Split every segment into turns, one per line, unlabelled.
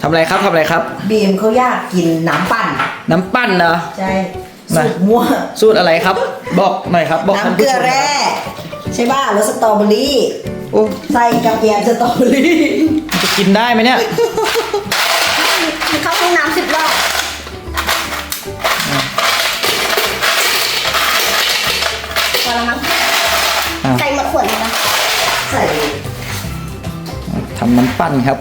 ทำอะไรครับทำอะไรครับ
บีมเขาอยากกินน้ำปั่น
น้ำปั้นเหรอ
ใช่สูตรมั่ว
สูตรอะไรครับบอกหน่อยครับบอก
น้ำเกลือแร่ใช่ป่ะรสสตรอเบอรี่
โอ้
ใส่กระเทียมสตรอเบอรี่
จะกินได้ไหมเนี่ย
เข้าห้องน้ำ10 รอบพอแล้วมั้งใส่หมดขวดเลยนะ
ใส่
ทำน้ำปั้นครับ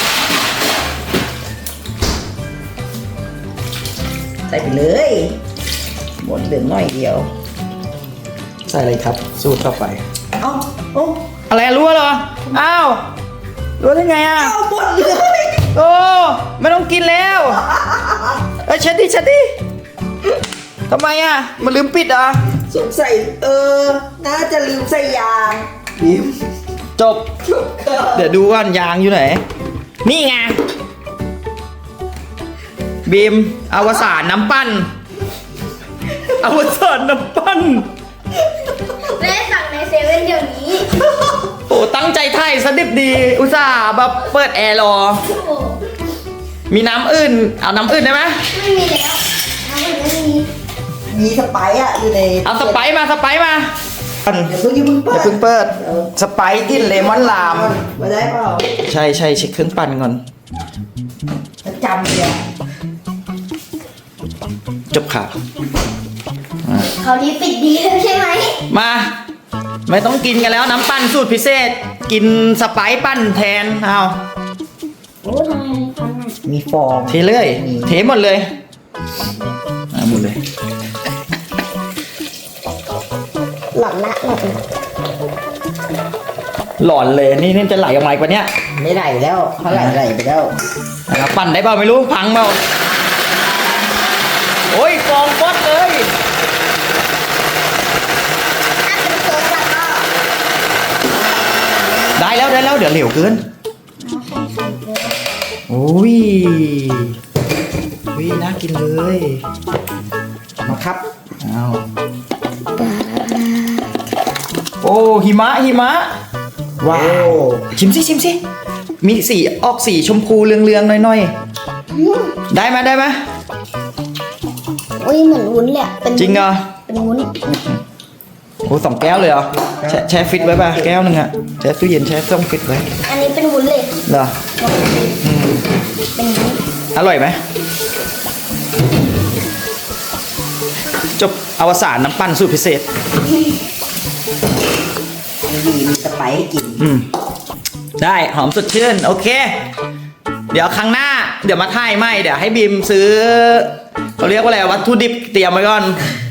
ใส่ไปเลยหมดเหลือน้อยเดียว
ใส่อะไรครับสูตรต่อไป
เอ้าโอ้
อะไรรู้เหรออ้าวรู้ได้ไงอ่ะ
เอาหมดเลย
โอ้ไม่ต้องกินแล้วเช็ดดิทำไมอ่ะมันลืมปิดอ่ะ
สงสัยน่าจะลืมใส่ยางบีม
จบเดี๋ยวดูว่ายางอยู่ไหนนี่ไงบีมอวสานน้ำปั้นอวสานน้ำปั้น
แม่สั่งในเซเว่นเดี๋ยวนี้
โอ้ตั้งใจไทยสดิบดีอุตส่าห์แบบเปิดแอร์รอมีน้ำอื่นเอาน้ำอื่นได้ไหม
ไม่มีแล้วน้ำอื่นไม่มี
สไปซ์อยู่ใน
เอาสไปซ์มา
อย่าเพิ่งเปิด
สไปซ์กินเลมอนลาม
มาได้เปล่า
ใช่เช็คเครื่องปั่นก่อน
จำเลย
จบข่าว
เขานี้ปิดดีแล้วใช่ไหม
มาไม่ต้องกินกันแล้วน้ำปั้นสูตรพิเศษกินสไปซ์ปั้นแทนเอา
โอ้ทำไม
มีฟอง
เทเลยเทหมดเลยหมดเลย
หลอนละ
หลอนเลยนี่จะไหลออกมาอีกปะเนี่ย
ไม่ไหลแล้วเขาไหลไปแล้ว
ปั่นได้เปล่าไม่รู้พังเปล่าโอ้ยฟองฟอดเลยได้แล้วเดี๋ยวเหลวเกินโอ้ยน่ากินเลยมาครับเอาโอ้หิมะว้าวชิมสิมีสีออกสีชมพูเรืองๆหน่อยๆได้ไหม
โอ้ยเหมือนวุ้นแหละ
จริงเหรอ
เป็นวุ้น
โอ้2 แก้วเลยเหรอแช่ฟิตไว้ป่ะแก้วนึงอะแช่ตู้เย็นแช่ต้มฟิตไว้
อันนี้เป็นวุ้นเลย
เหรอ
เป็นวุ้น
อร่อยไหมจบอวสานน้ำปั้นสูตรพิเศษ
มีสไปซ์ให้กิน
ได้หอมสดชื่นโอเคเดี๋ยวครั้งหน้าเดี๋ยวมาถ่ายใหม่เดี๋ยวให้บีมซื้อเขาเรียกว่าอะไรวัตถุดิบเตรียมไว้ก่อน